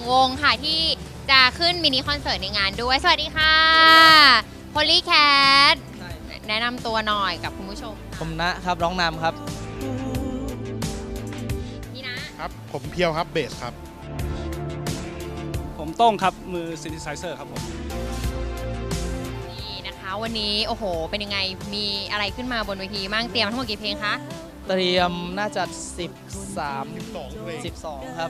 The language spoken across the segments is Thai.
วงค่ะที่จะขึ้นมินิคอนเสิร์ตในงานด้วยสวัสดีค่ะ Polycat แนะนำตัวหน่อยกับคุณผู้ชมผมนะครับร้องนำครับนี่นะครับผมเพียวครับเบสครับผมโต้งครับมือซินธิไซเซอร์ครับผมนี่นะคะวันนี้โอ้โหเป็นยังไงมีอะไรขึ้นมาบนเวทีมั่งเตรียมทั้งหมดกี่เพลงคะเตรียมน่าจะ 12เพลง 12 ครับ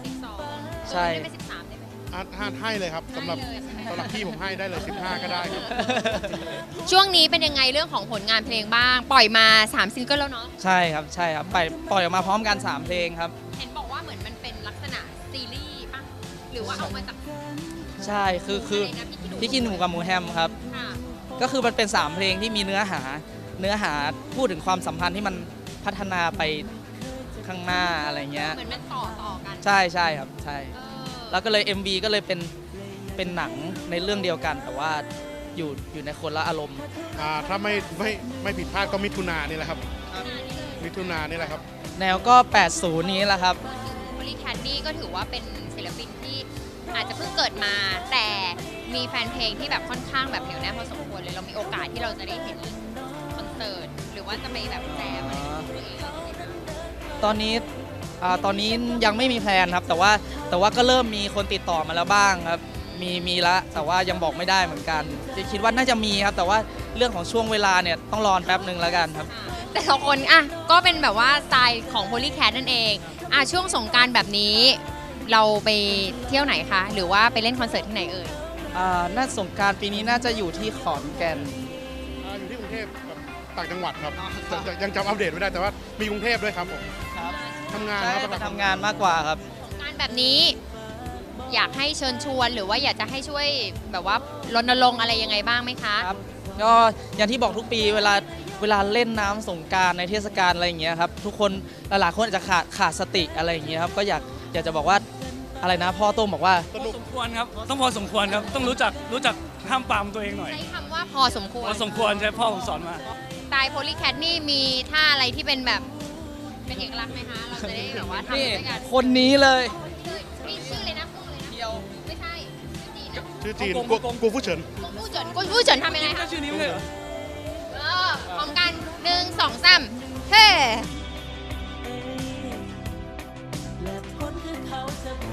12 ใช่ได้ไป13ได้ไหมให้เลยครับสำหรับพี่ผมให้ได้เลย 15 ก็ได้ครับช่วงนี้เป็นยังไงเรื่องของผลงานเพลงบ้าง ปล่อยมา3ซิงเกิลแล้วเนาะใช่ครับปล่อยออกมาพร้อมกัน 3 เพลงครับเห็นบอกว่าเหมือนมันเป็นลักษณะซีรีส์ป่ะหรือว่าเอามาจากใช่คือะไรนะพี่กินหนูกับหมูแฮมครับค่ะก็คือมันเป็น 3 เพลงที่มีเนื้อหาพูดถึงความสัมพันธ์ที่มันพัฒนาไปข้างหน้าอะไรเงี้ยเหมือนมันต่อกันใช่ครับใช่เออแล้วก็เลย MV ก็เลยเป็นหนังในเรื่องเดียวกัน แต่ว่าอยู่ในคนละอารมณ์ถ้าไม่ผิดพลาดก็มิถุนานี่แหละครับ มิถุนานี่แหละครับแนวก็ 80 นี้แหละครับ Polycat นี่ก็ถือว่าเป็นศิลปินที่อาจจะเพิ่งเกิดมา แต่มีแฟนเพลงที่แบบค่อนข้างแบบเหนียวแน่นพอสมควรเลยเรามีโอกาสที่เราจะได้เห็นคอนเสิร์ตหรือว่าจะไปแบบแจมอะไรของตัวเองตอนนี้ยังไม่มีแพลนครับ แต่ว่าก็เริ่มมีคนติดต่อมาแล้วบ้างครับมีละแต่ว่ายังบอกไม่ได้เหมือนกันคิดว่าน่าจะมีครับ แต่ว่าเรื่องของช่วงเวลาเนี่ยต้องรอแป๊บหนึ่งแล้วกันครับแต่ละคนอ่ะก็เป็นแบบว่าสไตล์ของ Polycat นั่นเองช่วงสงกรานต์แบบนี้เราไปเที่ยวไหนคะหรือว่าไปเล่นคอนเสิร์ตที่ไหนเอ่ยน่าสงกรารปีนี้น่าจะอยู่ที่ขอนแก่นอยู่ที่กรุงเทพกับต่างจังหวัดครับยังจำอัปเดตไม่ได้แต่ว่ามีกรุงเทพด้วยครับผมครับทำงานใช่ครับไปทำงานมากกว่าครับสงกรานต์แบบนี้ อยากให้เชิญชวนหรือว่าอยากจะให้ช่วยแบบว่ารณรงค์อะไรยังไงบ้างไหมคะครับก็อย่างที่บอกทุกปีเวลาเล่นน้ำสงกรารในเทศกาลอะไรอย่างเงี้ยครับทุกคนหลายๆคนอาจจะขาดสติอะไรอย่างเงี้ยครับก็อยากจะบอกว่าอะไรนะพ่อโต้งบอกว่าพอสมควรครับต้องพอสมควรครับต้องรู้จักห้ามปรามตัวเองหน่อยใช้คำว่าพอสมควรพอสมควรใช่พ่อผมสอนมาสไตล์ Polycat นี่มีท่าอะไรที่เป็นแบบเป็นเอกลักษณ์ไหมคะ เราจะได้แบบว่าทำนี่ด้วยกันคนนี้เลยชื่อเลยนะกุ้งเลยนะเดียวไม่ใช่ชื่อจีนนะชื่อจีนกงกูฟู่เฉินกุ้งผู้เฉินกุ้งผู้เฉินทำยังไงก็คะชื่อนี้ไม่ใช่เหรอพร้อมกัน1 2 3เฮ้และผลคือเขาจะไป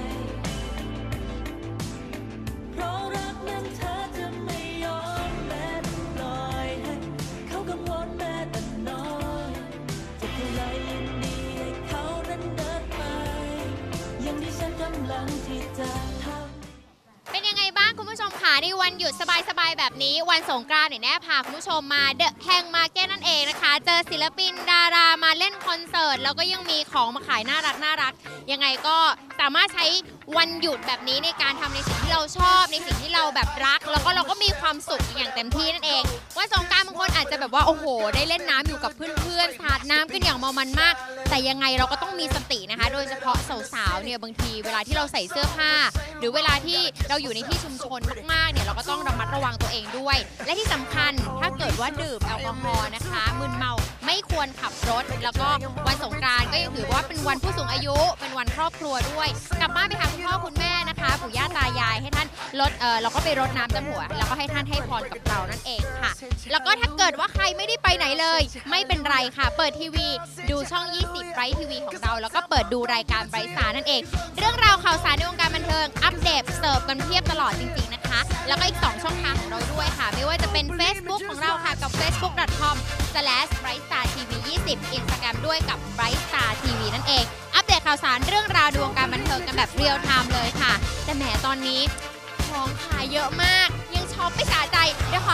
เพราะรักนั้นเธอจะไม่ยอมแม้ปล่อยให้เขากังวลแม้แต่น้อยจะเท่าไรยินดีให้เขานั้นเดินไปอย่างที่ฉันกำลังที่จะทำเป็นยังไงบ้างคุณผู้ชมคะในวันหยุดสบายๆแบบนี้วันสงกรานต์เนี่ยแน่พาคุณผู้ชมมาเดอะแฮงมาร์เก็ตนั่นเองนะคะเจอศิลปินดารามาเล่นคอนเสิร์ตแล้วก็ยังมีของมาขายน่ารักยังไงก็สามารถใช้วันหยุดแบบนี้ในการทำในสิ่งที่เราชอบในสิ่งที่เราแบบรักแล้วก็เราก็มีความสุขอย่างเต็มที่นั่นเองวันสงกรานต์บางคนอาจจะแบบว่าโอ้โหได้เล่นน้ำอยู่กับเพื่อนๆสาดน้ำกันอย่างเมามันมาก แต่ยังไงเราก็ต้องมีสตินะคะ โดยเฉพาะสาวๆเนี่ยบางทีเวลาที่เราใส่เสื้อผ้า หรือเวลาที่เราอยู่ในที่ชุมชนมากๆเนี่ยเราก็ต้องระมัดระวังตัวเองด้วย และที่สำคัญถ้าเกิดว่าดื่มแอลกอฮอล์นะคะมึนเมาไม่ควรขับรถ แล้วก็วันสงกรานต์ก็ยังถือว่าเป็นวันผู้สูงอายุเป็นวันครอบครัวด้วย กลับบ้านไปหาคุณพ่อคุณแม่นะคะปู่ย่าตายายให้ท่านเราก็ไปรดน้ำดำหัวแล้วก็ให้ท่านให้พรกับเรานั่นเองค่ะ แล้วก็ถ้าเกิดว่าใครไม่ได้ไปไหนเลย ไม่เป็นไรค่ะ เปิดทีวีดูช่อง 20 ไบรท์ทีวีของเราแล้วก็เปิดดูรายการไบรท์สตาร์นั่นเอง เรื่องราวข่าวสารในวงการบันเทิงอัปเดตเสิร์ฟกันเพียบตลอดจริงๆนะคะ แล้วก็อีก 2 ช่องทางของเราด้วยค่ะ ไม่ว่าจะเป็น Facebook ของเราค่ะกับ facebook.com/brightstartv20 Instagram ด้วยกับ brightstartv นั่นเอง อัปเดตข่าวสารเรื่องราวในวงการบันเทิงกันแบบเรียลไทม์เลยค่ะ แต่แหมตอนนี้ของขายเยอะมากยังช็อปไม่สะใจเดี๋ยวขอ